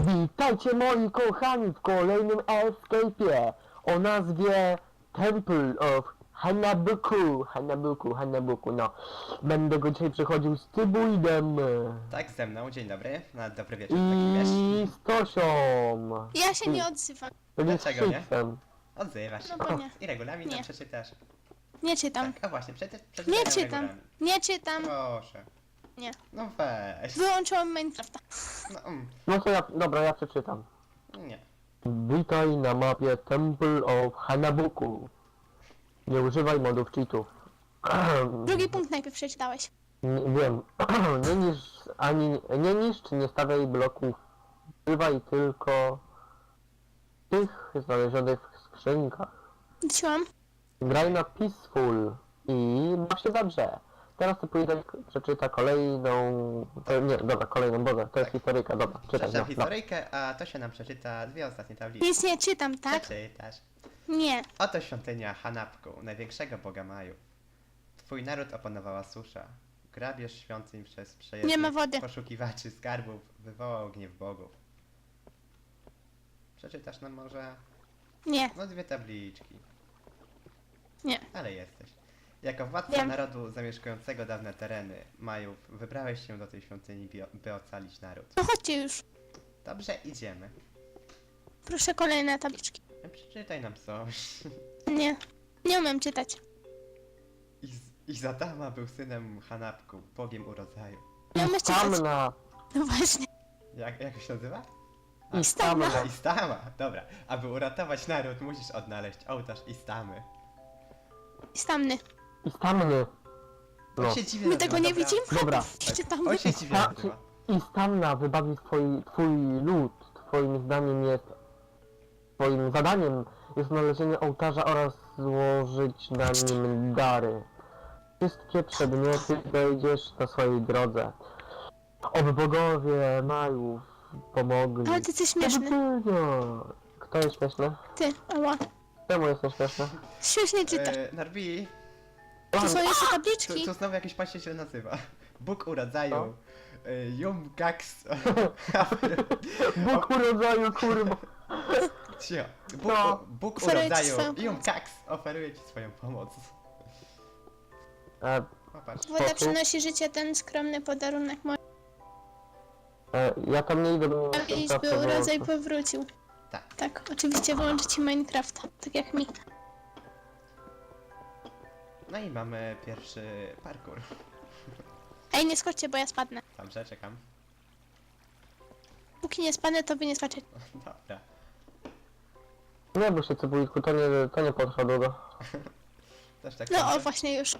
Witajcie moi kochani w kolejnym escape'ie o nazwie Temple of Hanabuku, no. Będę go dzisiaj przechodził z Tybuidem Tak, ze mną, dzień dobry, na dobry wieczór, taki wiesz. i z Tosią. Ja się nie odzywam. Czyli z Dlaczego nie? Szyksem. Odzywasz się. No bo nie. I regulamin tam Nie. przeczytasz. Nie czytam. Tak, a właśnie, przeczytaj Nie nam czytam. regulamin. Nie czytam. Proszę. Nie. No weź. Wyłączyłam Minecrafta. No, No to dobra, ja przeczytam. nie. Witaj na mapie Temple of Hanabuku. Nie używaj modów cheatów. Drugi punkt najpierw przeczytałeś. Wiem. Nie niszcz, nie stawiaj bloków. Używaj tylko tych znalezionych w skrzynkach. Wróciłam. Graj na peaceful i baw się dobrze. Teraz to pójdę, przeczyta kolejną... nie, dobra, kolejną, Boże, to jest historyjka, dobra, czytaj. Przeczytam No. historyjkę, a to się nam przeczyta dwie ostatnie tablice. Nic nie czytam, tak? Przeczytasz. Nie. Oto świątynia Hanapku, największego boga Maju. Twój naród opanowała susza. Grabież świątyń przez Nie przejezdnych ma wody. poszukiwaczy skarbów wywołał gniew bogów. Przeczytasz nam może... Nie. No dwie tabliczki. Nie. Ale jesteś. Jako władca Wiem. narodu zamieszkującego dawne tereny Majów, wybrałeś się do tej świątyni, by ocalić naród. No chodźcie już. Dobrze, idziemy. Proszę kolejne tabliczki. Przeczytaj nam coś. Nie. Nie umiem czytać. Izadama był synem Hanapku, bogiem urodzaju. Nie umiem czytać. Stamna! No właśnie. Jak się nazywa? I stamna! Istama, dobra. Aby uratować naród, musisz odnaleźć ołtarz Istamy. Stamny. I stamny! On No. się dziwnie My nazywa, tego nie dobra? widzimy? Dobra. Czytamy. On się dziwnie Ta, nazywa. I stamna wybawi twój lud. Twoim zdaniem jest... Twoim zadaniem jest znalezienie ołtarza oraz złożyć na nim dary. Wszystkie przedmioty znajdziesz na swojej drodze. Oby bogowie Majów pomogli. Ale ty jesteś śmieszny. Kto jest śmieszny? Ty, ała. Czemu jest śmieszny? Śmiesznie czytasz. Narbi, To są jeszcze tu tabliczki. znowu jakiś pan się źle nazywa. Bóg Co? urodzaju. Jumgax. Bóg urodzaju, kurwa! Cio. No. Bóg Oferuję ci urodzaju. swoją pomoc. Jumgax oferuje ci swoją pomoc. E, Popatrz. Woda przynosi życie, ten skromny podarunek mój. ja tam nie idę do I by urodzaj powrócił. Tak. Tak, oczywiście wyłączy ci Minecrafta, tak jak mi. No i mamy pierwszy parkour. Ej, nie skoczcie, bo ja spadnę. Dobrze, czekam. Póki nie spadnę, to wy nie skoczycie. Dobra. Nie bój się, Cybulitku, to nie potrwa długo. Też tak No o, sądzę. właśnie już.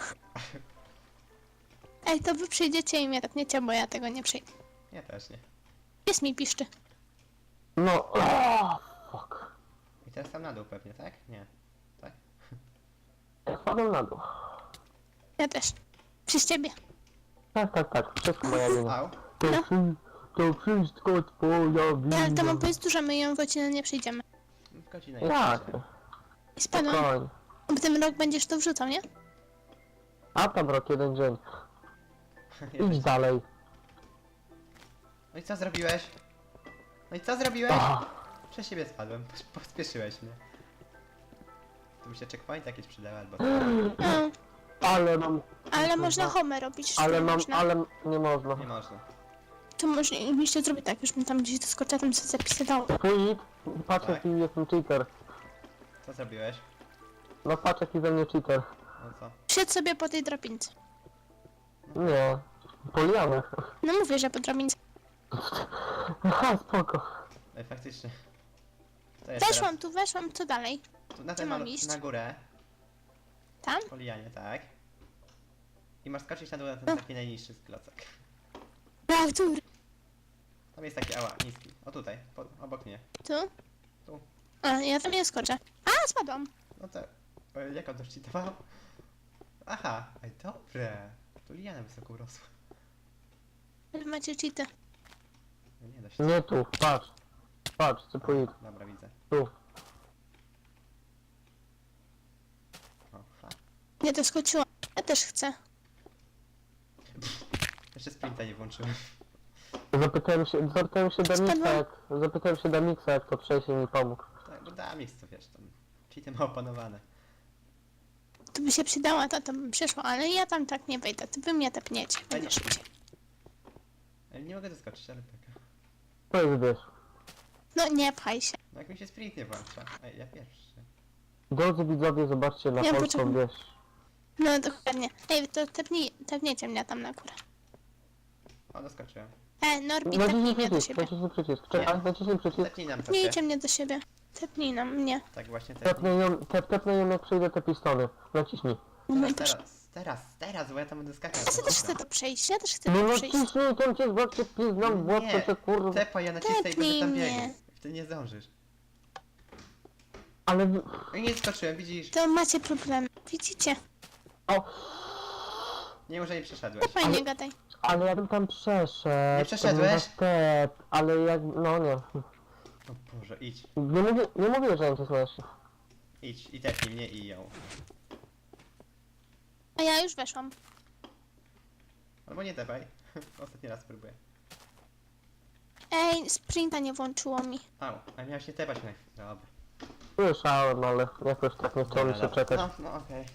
Ej, to wy przyjdziecie i mnie topniecie, bo ja tego nie przyjdę. Ja też nie. Pies mi piszczy. No, fuck. I teraz tam na dół pewnie, tak? Nie. Tak? Ja spadłem na dół. Ja też. Przez ciebie. Tak, wszystko moja wina. Au. No. To wszystko twoja wina. Ale to mam powiedzieć, że my ją godzinę nie przyjdziemy. Godzina Tak, I spadłam. spokojnie. W tym rok będziesz to wrzucał, nie? A tam rok, jeden dzień. Idź dalej. No i co zrobiłeś? No i co zrobiłeś? Ah, Przez siebie spadłem, pospieszyłeś mnie. Tu by się checkpoint jakieś przydały albo... No, ale mam... ale można home robić. Ale nie mam, można. ale nie można. Nie można. To mogliście zrobić tak, już bym tam gdzieś doskoczyła, tam sobie zapisywało. Twój, patrz Tak. jaki jestem cheater. Co zrobiłeś? No patrz jaki ze mnie cheater. No co? Siedź sobie po tej drabince. Nie. Poliany. No mówię, że po drabince. Aha, spoko. Ej, faktycznie. To jest Weszłam tu, weszłam, co dalej? teraz? Tu na Gdzie ten mam iść? na górę. Tam? Po lianie, tak. I masz skoczyć na dół na ten No. taki najniższy klocek. Tak, tu. Tam jest taki, ała, niski. O tutaj, obok mnie. Tu? Tu. A, ja tam nie skoczę. A, spadłam. No to... jak on to szczytował? Aha, ej, dobre. Tu liana wysoko urosła. Ale macie cheaty. No nie da się. Nie tu, patrz. Patrz, Cypulit. Dobra, widzę. Tu. O, fa. Nie doskoczyłam. Ja też chcę. Jeszcze sprinta nie włączyłem. Zapytałem się Damixa, jak to przejść i mi pomógł. Tak, bo Damix, to wiesz, tam cheaty ma opanowane. To by się przydała, to bym przyszło, ale ja tam tak nie wejdę. To wy mnie tepniecie. Będzie szybciej. Ale nie mogę doskoczyć, ale taka. To jest wiesz. No nie pchaj się. No jak mi się sprint nie włącza. Ej, ja pierwszy. Drodzy widzowie, zobaczcie na Ja polską poczekam. wieś. No dokładnie. Ej, to tepnijcie mnie tam na górę. O, doskoczyłem. Norbi, Naciśnij tepnij mnie do przycisk, siebie. naciśnij przycisk. Czekaj, naciśnij przycisk. Tepnij nam to Tepnijcie mnie do siebie. Tepnij na mnie. Tak właśnie tepnij. Tepnę ją jak przejdę te pistony. Naciśnij. Teraz, bo ja tam będę skakał. Ja też chcę to przejść, ja też chcę No to przejść. naciśnij, tam cię zobaczcie pizną w łeb, to cię kurwa. Tepa, ja nacisnę i będę Tepnij tam mnie. biegł. Wtedy nie zdążysz. Ale... I nie skoczyłem, widzisz? To macie problem. Widzicie? O, Nie, może nie przeszedłeś. Fajnie gadaj. ale ja bym tam przeszedł. Nie przeszedłeś? to był Step, ale jak... no nie. O Boże, idź. Nie mówię, że nie cię słyszę. Idź i tepnij mnie i ją. A ja już weszłam. Albo nie tepaj. Ostatni raz spróbuję. Ej, sprinta nie włączyło mi. Au, a miałeś nie tepać na chwilę. Dobra. Słyszałem, ale jakoś tak nie chciałem się Dobra. czekać. No okej.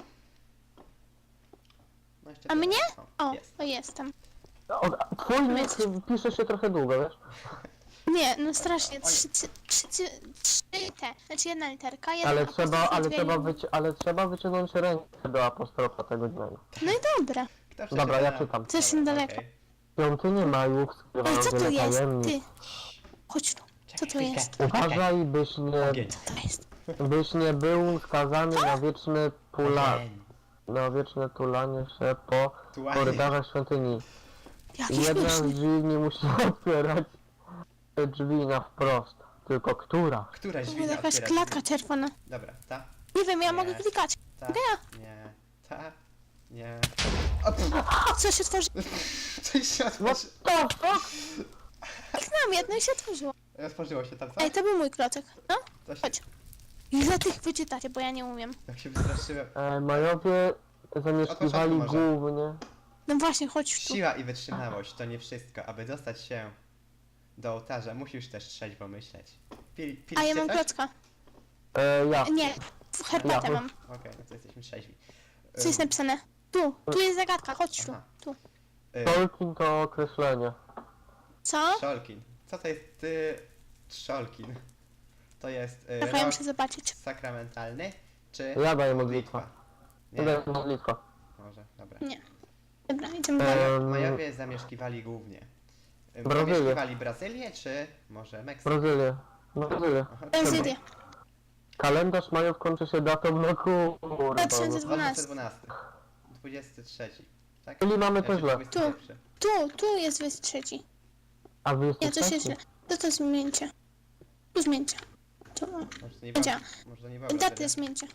No jeszcze A tyle. mnie? O, Jest. o jestem. Twój nick Jesteś- pisze się trochę długo, wiesz? Nie, no strasznie. Oj. Trzy te. Znaczy jedna literka, jedna Ale apostrof i dwie linie. trzeba wyciągnąć rękę do apostrofa tego dźwięku. No i dobra. Kto przeczyta? Dobra, ja czytam. To jest Dobra, niedaleko. okej. Świątynię Majów Ej, skrywają co to wiele jest? tajemnic. Ty. Chodź tu. Co to Czekaj jest? chwilkę. Uważaj, Ogień. Co to jest? byś nie był skazany na wieczne Ogień. na wieczne tulanie się po Tułanie. korytarzach świątyni. Jaki Jedna z śmieszny. drzwi nie musi otwierać te drzwi na wprost, tylko która? Któraś To drzwi była jakaś otwiera? klatka czerwona. Dobra, ta, Nie wiem, ja Nie. mogę klikać. ta, Mogę ja? nie, ta, nie. O, pff, O, co się tworzy? coś się otworzy... To fuck? Kliknęłam jedno i się otworzyło. Otworzyło się tam, co? Ej, to był mój klocek. No, To się... chodź. Ile tych wyczytacie, bo ja nie umiem. Jak się wystraszyłem. Majowie zamieszkiwali Od początku głównie... No właśnie, chodź tu. Siła i wytrzymałość to nie wszystko. Aby dostać się do ołtarza, musisz też trzeźwo myśleć. A Piliście ja mam coś? klocka. Ja. Nie, herbatę Ja. mam. Okej, no to jesteśmy trzeźwi. Co jest napisane? Tu jest zagadka, chodź tu. Aha. Tu. Tolkien to określenie. Co? Trzolkin. Co to jest trzolkin? To jest Czekaj, ja rok muszę zobaczyć. sakramentalny, czy Ja daję modlitwę. Nie, To jest modlitwa. może, dobra. Nie. Dobra, idziemy dalej. Majowie zamieszkiwali głównie. Brazylię. Zamieszkiwali Brazylię, czy może Meksyk? Brazylię. Brazylię. Aha, Brazylię. Kalendarz Majów kończy się datą na kurwa. 2012. 2012. 23. Tak? Czyli mamy Jeszcze to źle. 21. Tu jest 23. A wy Nie, jesteście coś jest źle. To zmieńcie. Tu zmieńcie. Tu. Może to nie Gdzie? było. Może to nie było. Datę zmieńcie.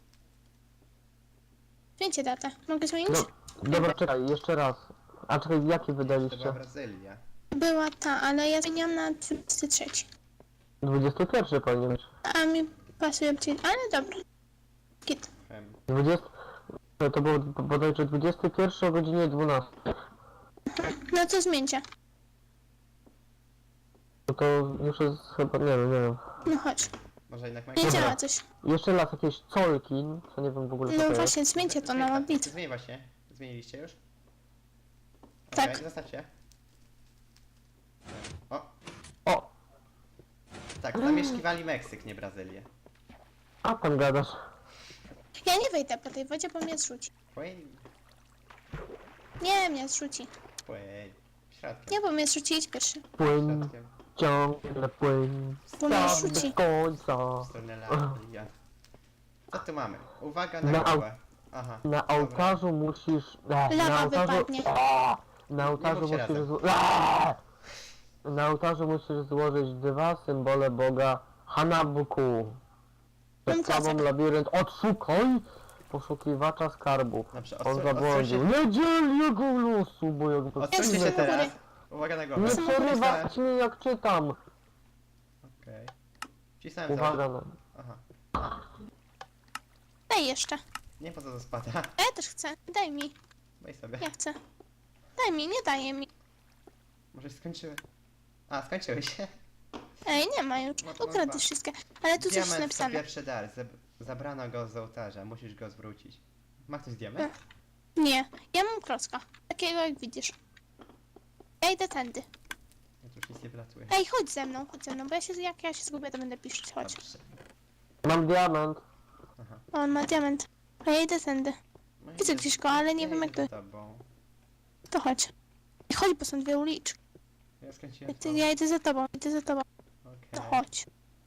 Zmieńcie datę. Mogę zmienić? No, dobra, czekaj, jeszcze raz. A czekaj, jaki To była wydaliście? Brazylia. Była ta, ale ja zmieniam na 23. 21 powinien być. A mi pasuje bardziej, ale dobra. Git. 20... To było bodajże 21 o godzinie 12. No to zmieńcie. No to już jest chyba, nie wiem. No chodź. Może jednak Nie Meksyk. działa coś. Jeszcze raz jakieś Colkin, co nie wiem w ogóle co No to jest. właśnie, zmieńcie to na modlitwę. Zmień właśnie. Zmieniliście już? Tak. Okej, zostawcie. O, O! tak, zamieszkiwali Meksyk, nie Brazylię. A tam gadasz. Ja nie wejdę po tej wodzie, bo mnie zrzuci. Płyń, Nie, mnie zrzuci. płyń. Środkiem. Nie, bo mnie zrzuci, idź pierwszy. Płyń, Środkiem. ciągle płyń. Bo mnie Tam rzuci. do końca. W stronę Lalia. Co tu mamy? Uwaga na Na au- głowę. Aha. Na dobra. ołtarzu musisz... na Lawa ołtarzu... wypadnie. Na ołtarzu mówcie musisz... razem. Na ołtarzu musisz złożyć dwa symbole Boga Hanabuku. Mam Przed tobą klocek. labirynt. Odszukaj poszukiwacza skarbów. Dobrze, On zabłądził. odsuńcie- Nie dziel jego losu, bo jak... Odsuńcie się Jestem u góry. teraz. Uwaga na głowę. Nie Jestem u góry. przerywać mnie jak czytam. Okej. Wcisnąłem Uwaga za... na... Aha. Daj jeszcze. Nie po co to spada. A ja też chcę. Daj mi. Weź sobie. Ja chcę. Daj mi, nie daje mi. Może się skończyły. A, skończyły się. Ej, nie ma już. No to Ukradł dwa. wszystkie. Ale tu coś jest Diament to napisane. pierwszy dar. Zabrano go z ołtarza. Musisz go zwrócić. Ma ktoś diament? Nie, ja mam klocka. Takiego jak widzisz. Ja idę tędy. Ja tu już nic nie wylatuje. Ej, chodź ze mną, bo jak ja się zgubię, to będę piszczyć, chodź. Dobrze. Mam diament. Aha. O, on ma diament. A ja idę tędy. No Widzę idę- gdzieś go, ale nie ja wiem idę jak to... za tobą. To chodź. I chodź, bo są dwie uliczki. Ja skręciłem Ja idę za tobą, To Okej. chodź.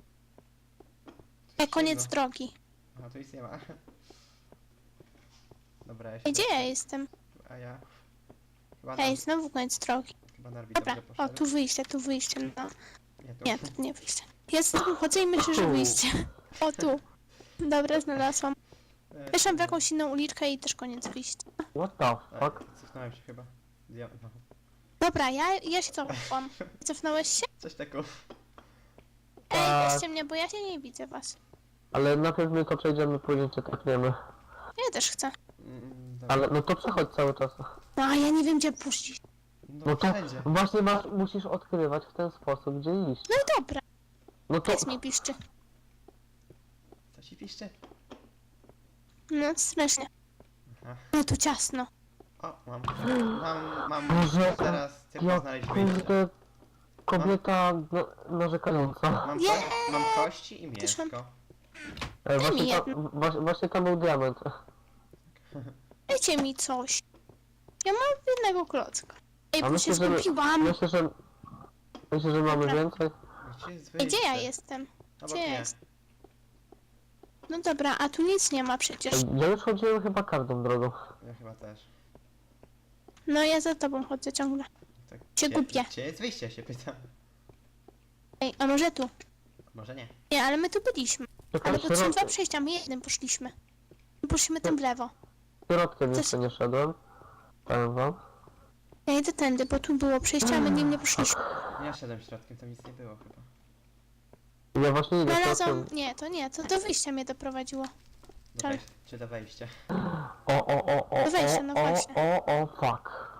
Ej, koniec Ciemno. drogi. A, tu nic nie ma. Dobra, ja się Ej, gdzie ja dostanę. jestem? A ja... Chyba, Ej, znowu koniec drogi. chyba Narwi Dobra, dobrze o, poszedł. tu wyjście, no. Nie, tu. Nie, to nie wyjście. Ja z tobą chodzę i myślę, że wyjście. O, tu. Dobra, znalazłam. Weszłam w jakąś inną uliczkę i też koniec wyjścia. What the fuck? Cofnąłem się chyba. No. Dobra, ja się cofam. Cofnąłeś się? Coś takiego. Ej, Tak. weźcie mnie, bo ja się nie widzę was. Ale najpierw my to przejdziemy, później cię tepniemy. Ja też chcę. Dobra. Ale no to przechodź cały czas. No, a ja nie wiem, gdzie puścić. No to wszędzie. właśnie musisz odkrywać w ten sposób, gdzie iść. No i dobra, No to... jest mi piszczy. Co ci piszczy? No, strasznie. Aha. No tu ciasno. O, mam Boże, teraz tylko jak znaleźć wyjście. kurde kobieta narzekająca. Mam kości i Też mam- mięsko. Właśnie, mi właśnie tam był diament. Dajcie mi coś. Ja mam jednego klocka. Ej, A bo się myślę, że... skupiłam. Myślę, że mamy Dobra. więcej. Gdzie jest Ej, gdzie ja wyjście? jestem? Obok Gdzie ja mnie. jestem? No dobra, a tu nic nie ma przecież. Ja już chodziłem chyba każdą drogą. Ja chyba też. No ja za tobą chodzę ciągle. Tak, Się gubię. Gdzie jest wyjście, się pytam. Ej, a może tu? Może nie. Nie, ale my tu byliśmy. Czekaj, Ale bo to są dwa środkiem, przejścia, my jednym poszliśmy. Poszliśmy tym w lewo. środkiem Coś- jeszcze nie szedłem. Powiem wam. Ja idę tędy, bo tu było przejście, a my nim nie poszliśmy. Ja szedłem środkiem, tam nic nie było chyba. Ja właśnie idę Znalazłam... środkiem. Nie, to do wyjścia mnie doprowadziło. Do Tak. czy do wejścia? No weźcie, no właśnie. Fuck.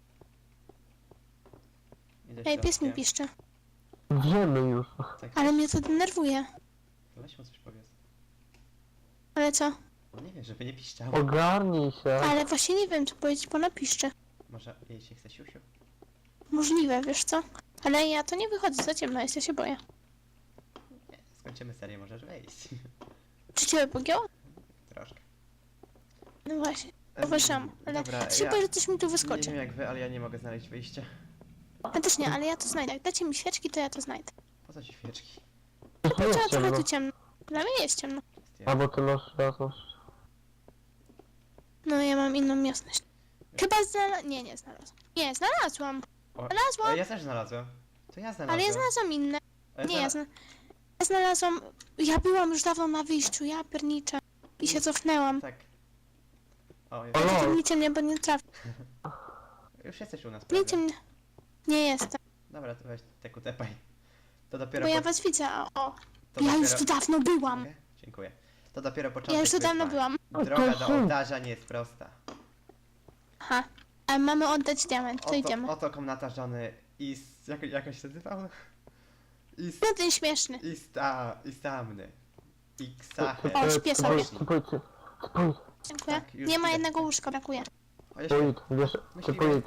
Idę Ej, pies mi środkiem. piszczy. Wiemy już. Tak, Ale mnie to denerwuje. weź mu coś powiedz. Ale co? No nie wiem, żeby nie piszczało. Ogarnij się. Ale właśnie nie wiem, co powiedzieć, bo napiszczy. Może jej się chce siusiu? Możliwe, wiesz co? Ale ja to nie wychodzę, za ciemno jest, ja się boję. Nie, skończymy serię, możesz wejść. Czy ciebie pogięło? Troszkę. No właśnie, uważam, ale Dobra, się boję, że coś mi tu Nie wyskoczy. wiem jak wy, ale ja nie mogę znaleźć wyjścia. Ja też nie, ale ja to znajdę. Jak dacie mi świeczki, to ja to znajdę. Po co ci świeczki? To Trzeba jest trochę ciemno. tu ciemno. Dla mnie jest ciemno. A bo ty masz jasność. No ja mam inną jasność. Chyba nie znalazłam. Nie, znalazłam. O, Znalazłam. ja też znalazłem. To ja znalazłem. Ale ja znalazłam inne. A ja Nie, znalazłem. ja znalazłam... Ja byłam już dawno na wyjściu, ja pierniczę. I się cofnęłam. Tak. O, O, jest. lol. Tepnijcie mnie, bo nie trafię. Już jesteś u nas, Tepnijcie prawda? mnie. Nie jestem, Dobra, to weź teku tepaj. To dopiero bo ja po- was widzę, o. to Ja już dopiero- tu dawno byłam. Mogę? Dziękuję. To dopiero początek Ja już tu dawno wyzwania. byłam. Droga to do są- ołtarza nie jest prosta. Aha. A mamy oddać diament, to idziemy. Oto komnata żony jakoś się nazywał? No ten śmieszny. Istamny. Iksache. O, śpię sobie. Spójrz. Dziękuję. Tak, już Nie ma idę. jednego łóżka, brakuje. O, jeszcze- Spójrz, wiesz, Myśliwy,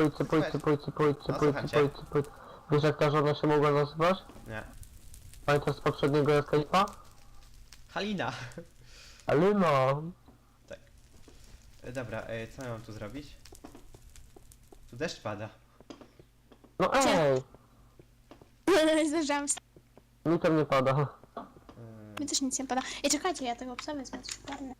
spójrz. Wiesz jak ta żona się mogła nazywać? Nie. Pamiętasz z poprzedniego escape'a? Halina. Ale no. Dobra, co ja mam tu zrobić? Tu deszcz pada. No Gdzie? ej, Zdążyłam wstać. mi tam nie pada. Mi też nic nie pada. Ej, czekajcie, ja tego psa wezmę, coś padnę.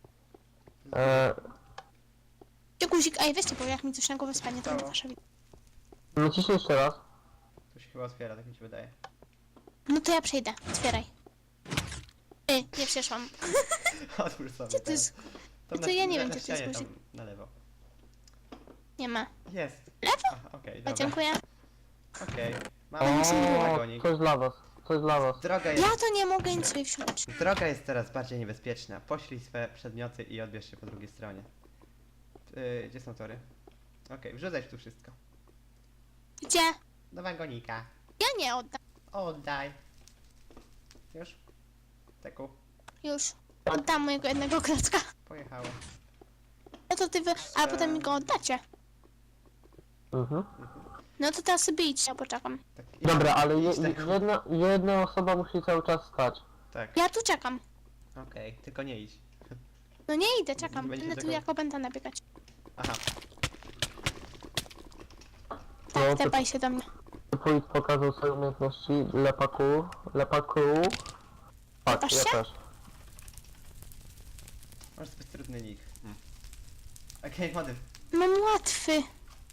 Gdzie guzik? Ej, weźcie, bo jak mi coś na głowę spadnie, to nie Stało. wasza wina. Naciśnij jeszcze raz. Tu się chyba otwiera, tak mi się wydaje. No to ja przejdę, otwieraj. Ej, nie przeszłam. Otwórz sobie. Gdzie to teraz. jest? Tam to ja nie wiem, na gdzie to jest ścianie, guzik. tam na lewo. Nie ma. Jest. Lewo? Aha, okej, O, dobra. dziękuję. Okej. O, Mamy wagonik. coś dla was. Coś dla was. Droga jest, Ja to nie mogę nic sobie wsiąść. droga jest coraz bardziej niebezpieczna. Poślij swe przedmioty i odbierz się po drugiej stronie. Gdzie są tory? Okej, wrzucaj tu wszystko. Gdzie? Do wagonika. Ja nie oddam. Oddaj. Już? Teku, Już. Oddam mojego jednego klocka. pojechało. No to ty wy... A potem mi go oddacie. Mhm. No to teraz sobie idź, ja poczekam. Tak, Dobra, ale idź, Teku. jedna osoba musi cały czas stać. Tak, Ja tu czekam. okej, tylko nie idź. No nie idę, czekam. Nie będzie Będę tu tego- jako będę nabiegać. Aha, Tak, No, to- tepaj się do mnie. Wójt pokazał swoje umiejętności lepaku. Tak, Lepasz ja się? też. masz zbyt trudny nick. Okej, młody. Mam łatwy.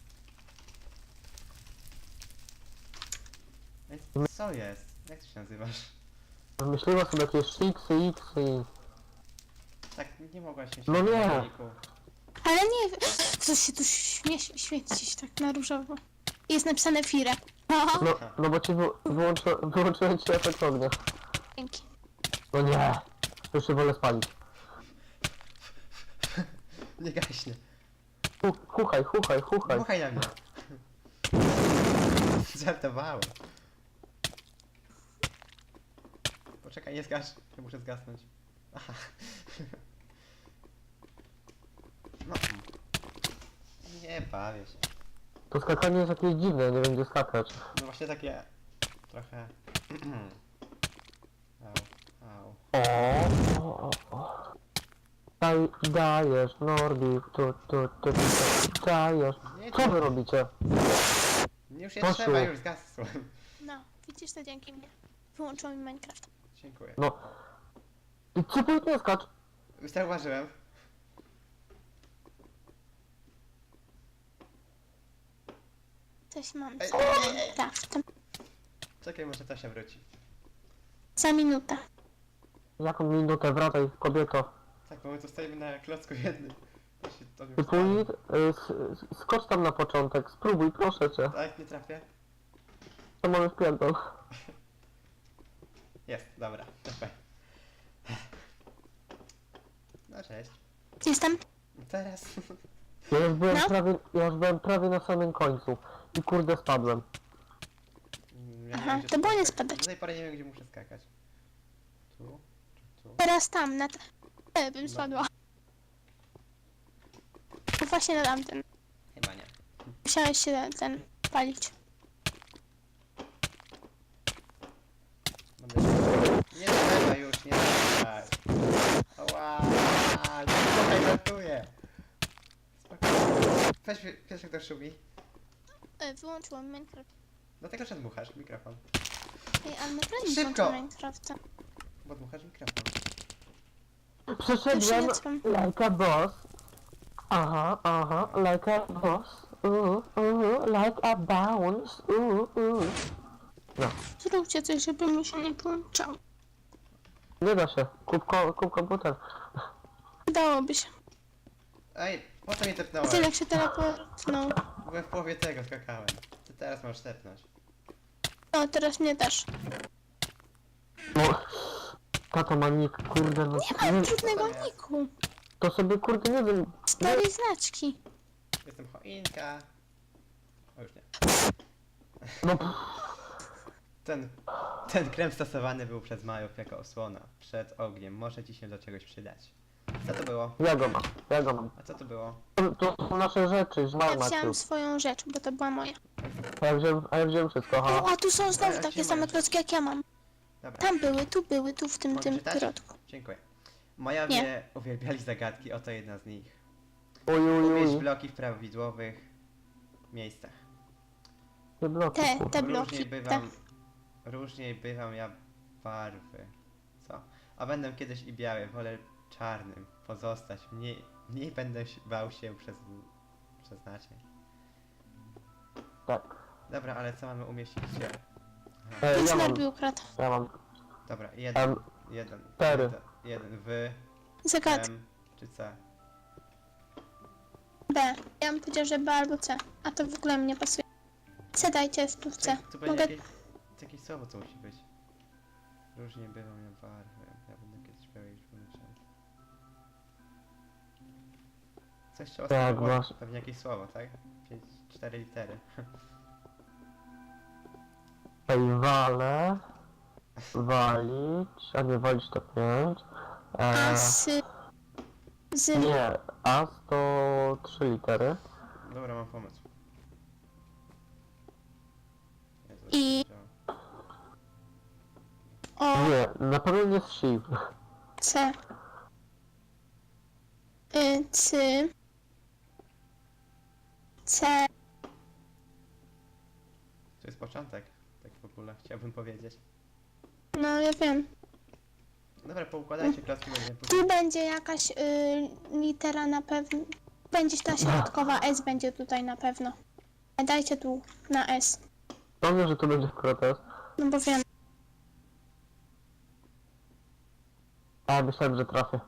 Więc co jest? Jak ty się nazywasz? Wymyśliła sobie jakieś shiksy, xy. Tak, nie mogłaś się No nie. na nicku. Ale nie... Co się tu świecić tak na różowo? Jest napisane Fire. Aha. No bo ci wyłączyłem ci efekt ognia. Dzięki. No nie. Już się wolę spalić. Nie gaśnie. Chuchaj. Dmuchaj na mnie. Żartowałem. Poczekaj, nie zgasz. Ja muszę zgasnąć. Aha. No. Nie bawię się. To skakanie jest jakieś dziwne, nie wiem gdzie skakać. No właśnie takie... Trochę... Au. O. Dajesz, Norbi, tu, dajesz. Nie, Co wy robicie? już nie Poszło. trzeba, już zgasłem. No, widzisz to dzięki mnie. Wyłączyło mi Minecraft. Dziękuję. No. I co pójdź nie skacz? Już zauważyłem. Coś mam Ej. z Minecraftem. Czekaj, może to się wróci. Za minutę. Jaką minutę, wracaj, kobieto. Tak, bo my tu stoimy na klocku jednym. To się to Ty już stało. pójdź, skocz tam na początek, spróbuj, proszę cię. Tak, nie trafię? To mamy wpierdol. Jest, dobra, TP. No cześć. Jestem. Teraz... No. Ja już byłem prawie na samym końcu. I kurde spadłem. Ja Aha, wiem, gdzie to było nie skakać. spadać. Do tej pory nie wiem, gdzie muszę skakać. Tu? Czy tu? Teraz tam, na... bym spadła. No właśnie na tamten. Chyba nie. Musiałeś się ten palić. Będę się... Nie trzeba już, nie trzeba. Oła, spokojnie, żartuję. Spokojnie. Weź jak to szumi. Wyłączyłam Minecraft. Dlatego, że dmuchasz mikrofon. Ej, ale my graliśmy Szybko! w Minecrafta. Bo dmuchasz mikrofon. Przeszedłem Już nie like a boss. Aha, like a boss. Like a bounce. No, Zróbcie coś, żeby mi się nie połączało. nie da się. Kup komputer. Dałoby się. Ej, po co mnie A tepnąłeś? ty jak się teleportnął. Byłem w połowie tego, skakałem. Ty teraz możesz tepnąć. O, teraz mnie też. No, tato ma nick, kurde, no Nie mam nie, trudnego jest? niku. to sobie kurde nie wiem. Starej znaczki. Jestem choinka. O, już nie. No, Ten krem stosowany był przez Majów jako osłona. Przed ogniem. Może ci się do czegoś przydać. Co to było? ja go mam. A co to było? To są nasze rzeczy, Ja żmal wziąłem Maciu. swoją rzecz, bo to była moja. A ja wziąłem wszystko, O, ha. a tu są A znowu ja takie się same boję. klocki jak ja mam. Dobra. Tam były, tu w tym Mogę czytać? środku. Dziękuję. Majowie uwielbiali zagadki, oto jedna z nich. Umieść Uj. bloki w prawidłowych miejscach. Te bloki. Te kurde. bloki. Różniej bywam ja barwy. Co? A będę kiedyś i biały, wolę czarnym pozostać. Mniej będę bał się przeznaczeń. Tak. Dobra, ale co mamy umieścić gdzie? Aha. Ja Nic mam, Norbi ukradł. ja mam. Dobra, jeden, Cztery. jeden, wy, Zagad. M, czy C? B. Ja bym powiedział, że B albo C. A to w ogóle mi nie pasuje. C dajcie, tu w C. Tu będzie Mogę... jakieś słowo, co musi być. Różnie bywam ja barwy. Ja będę kiedyś biały już wymyślał. Coś trzeba Tak, spróbować. masz. Pewnie jakieś słowo, tak? 4 litery. Tutaj walę. Walić. A nie, walić to 5. A z... Nie, A to 3 litery. Dobra, mam pomysł. Jezu, I- jak to działa. O, Nie, na pewno nie z shift. C. C. C. To jest początek, tak w ogóle chciałbym powiedzieć. No, ja wiem. Dobra, poukładajcie klocki, będziemy Tu później. będzie jakaś litera na pewno. Będzie ta środkowa S będzie tutaj na pewno. Dajcie tu na S. Dobrze, że to będzie protest. No bo wiem. A, myślałem, że trafię.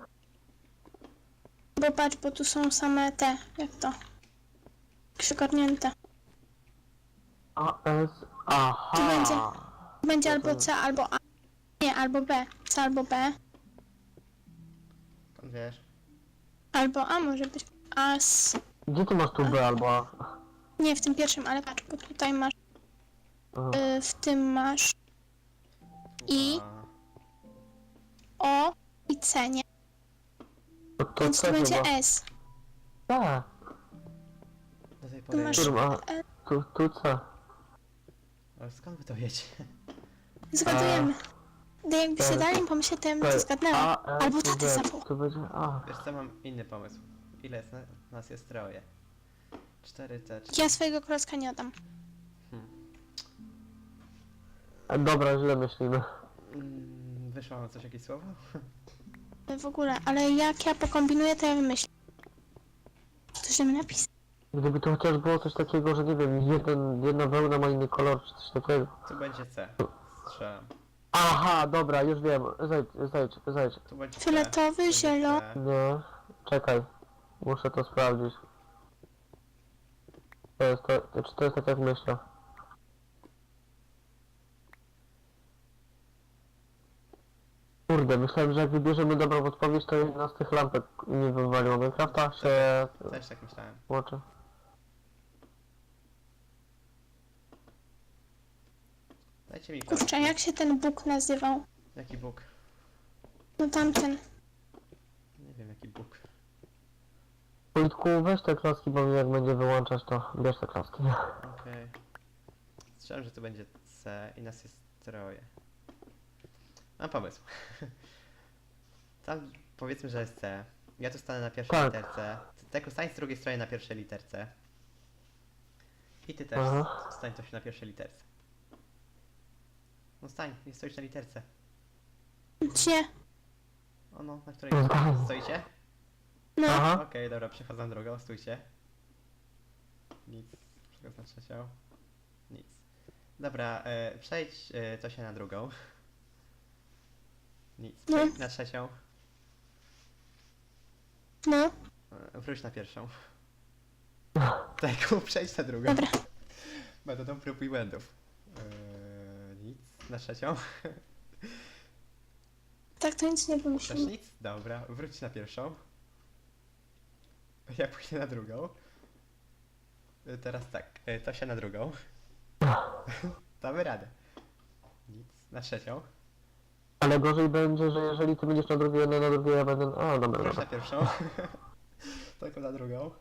Bo patrz, bo tu są same te, jak to? Przygarnięte. A, S, aha. Tu będzie albo C, albo A. Nie, albo B. C albo B. Skąd wiesz? Albo A może być. A s... Gdzie ty masz tu B albo A? Nie, w tym pierwszym, ale patrz, bo tutaj masz. Aha. W tym masz I? A, O i C, nie? To Więc C tu będzie chyba. S. Tak, do tej Tu pory... masz którym A? E. Tu C. Ale skąd wy to wiecie? Zgadujemy. Gdy jakby się Tak. dalej pomyśleć, to ja bym to Tak. zgadnęła. A, S, Albo taty Z. zawoł. Tu będzie A. Wiesz co, mam inny pomysł. Ile jest nas jest troje? 4T, 4... Ja swojego klocka nie oddam. Dobra, źle myślimy. Wyszło wam coś, jakieś słowo? W ogóle, ale jak ja pokombinuję, to ja wymyślę. Coś mi napisać. Gdyby to chociaż było coś takiego, że nie wiem, jedna wełna ma inny kolor, czy coś takiego. Tu będzie C. Strzelam. Aha, dobra, już wiem. Zejdź. Tu będzie C. Fioletowy, Będzie zielony. C. Nie, czekaj. Muszę to sprawdzić. Czy to jest tak jak myślę? Kurde, myślałem, że jak wybierzemy dobrą odpowiedź, to jedna z tych lampek nie wywaliło. Minecrafta się Też tak myślałem. włączy. Dajcie mi klocki. Kurczę, jak się ten Bóg nazywał? Jaki Bóg? No tamten. Nie wiem jaki Bóg. Wojtku, weź te klaski, bo jak będzie wyłączać, to bierz te klaski. Okej. Strzelam, że to będzie C i nas jest troje. Mam pomysł. Tam powiedzmy, że jest C. Ja tu stanę na pierwszej Tak. literce. Ty Teku, stań z drugiej strony na pierwszej literce. I ty też Aha. stań coś na pierwszej literce. No stań, nie stoisz na literce. Gdzie? O no, na której stoicie? No. Aha. Okej, dobra, przechodzę na drugą, stójcie. Nic. Przechodzę na trzecią. Nic. Dobra, przejdź to się na drugą. Nic. No. Przejdź na trzecią. No. Wróć na pierwszą. Tak, przejdź na drugą. Dobra. Metodą prób i błędów. Nic. Na trzecią. Tak to nic nie Też wymyślimy. nic? Dobra, wróć na pierwszą. Ja pójdę na drugą. Teraz tak, to się na drugą. Damy radę. Nic. Na trzecią. Ale gorzej będzie, że jeżeli ty będziesz na drugiej, jedna na drugiej, ja będę... A, dobra, Wróć na dobra. pierwszą. Tylko na drugą.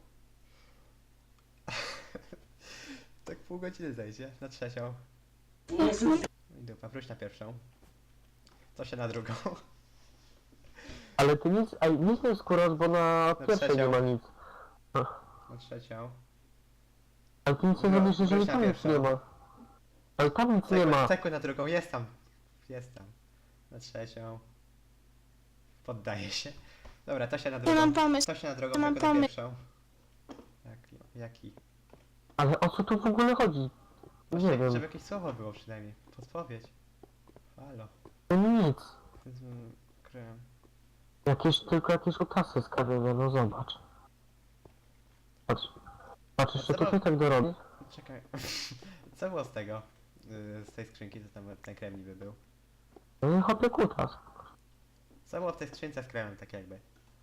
Tak pół godziny zejdzie. Na trzecią. No, I dupa, wróć na pierwszą. To się na drugą. Ale ty nic nie skórasz, bo na pierwszej nie trzecią. ma nic. Na trzecią. Ale ty nic nie No, zrobisz, jeżeli wróć na tam nic pierwszą. nie ma. Ale tam nic nie ma. Teku na drugą, jest tam. Jest tam. Na trzecią. Poddaję się. Dobra, to się na drugą. Ja mam pomysł. To się na drugą, Ja mam tylko na pomysł. pierwszą. Jaki? Ale o co tu w ogóle chodzi? Nie Właśnie, wiem. żeby jakieś słowo było przynajmniej. Podpowiedź. Halo. No nic. Kryłem. Tylko jakieś utasy z kamienia, no zobacz. Patrz. Patrz, jeszcze co tutaj tak dorobi. Czekaj. Co było z tego? Z tej skrzynki, co tam ten krem niby był? No i hopie kutas. Co było w tej skrzynce z kremem, tak jakby?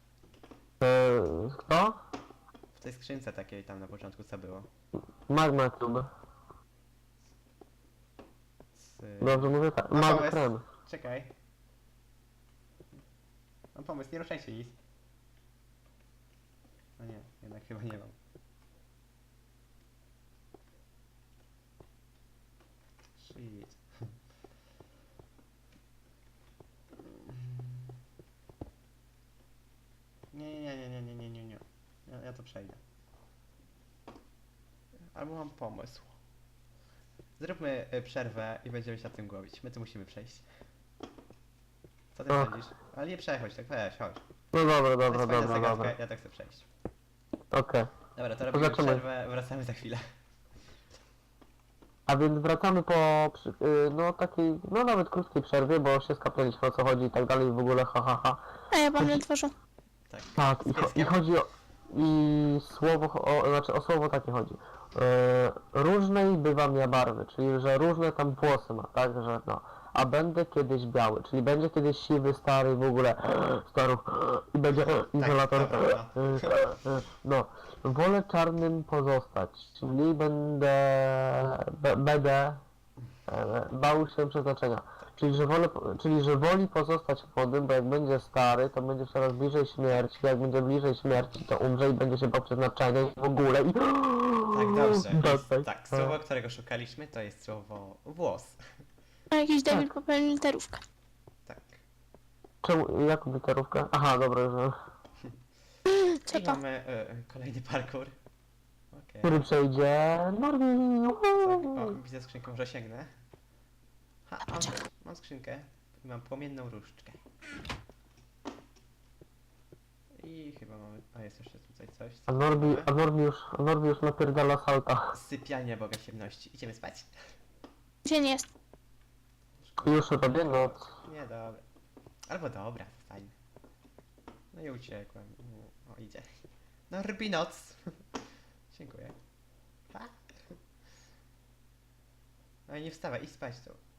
Kto? W tej skrzynce takiej tam na początku co było? Magma Cube. Dobrze mówię tak. Mam Mały pomysł. krem. Czekaj. Mam pomysł, nie ruszajcie nic. No nie, jednak chyba nie mam. Shit. Nie. Ja to przejdę. Albo mam pomysł. Zróbmy przerwę i będziemy się nad tym głowić. My tu musimy przejść. Co ty Ach. sądzisz? Ale nie przechodź, tak weź, chodź. No dobra, To jest dobra, fajna dobra, zagadka, dobra. ja tak chcę przejść. Okej. Dobra, to robimy Zobaczymy. przerwę, wracamy za chwilę. A więc wracamy po no takiej, no nawet krótkiej przerwie, bo się skapnęliśmy o co chodzi i tak dalej w ogóle ha. A ja mam na twarzu. Tak. Tak, Z i pieskiem. chodzi o... I słowo, znaczy o słowo takie chodzi. Różnej bywam ja barwy, czyli że różne tam włosy ma, tak, że no. A będę kiedyś biały, czyli będzie kiedyś siwy, stary, w ogóle staruch i będzie izolator. dobra. No, wolę czarnym pozostać, czyli będę bał się przeznaczenia. Czyli że woli pozostać młodym, bo jak będzie stary, to będzie coraz bliżej śmierci, jak będzie bliżej śmierci, to umrze i będzie się bał przeznaczenia i w ogóle i... Tak, dobrze. Jest, Tak, tak, słowo, którego szukaliśmy, to jest słowo włos. A jakiś debil popełnił literówkę. Tak. Czemu, jaką literówkę? Aha, dobra, że... Co I to? mamy kolejny parkour. Okej. Który przejdzie... Normi! Tak, o, widzę skrzynkę, może sięgnę. Ha, mam skrzynkę i mam płomienną różdżkę. I chyba mamy... A jest jeszcze tutaj coś. co A Norbi już napierdala salta. Sypialnia Boga Ciemności. Idziemy spać? Gdzie nie jest? Już robię noc. Nie, dobra. Albo dobra, zostańmy. No i uciekłem. O, idzie. No, rbi noc. Dziękuję. Pa. No i nie wstawaj, idź spać tu.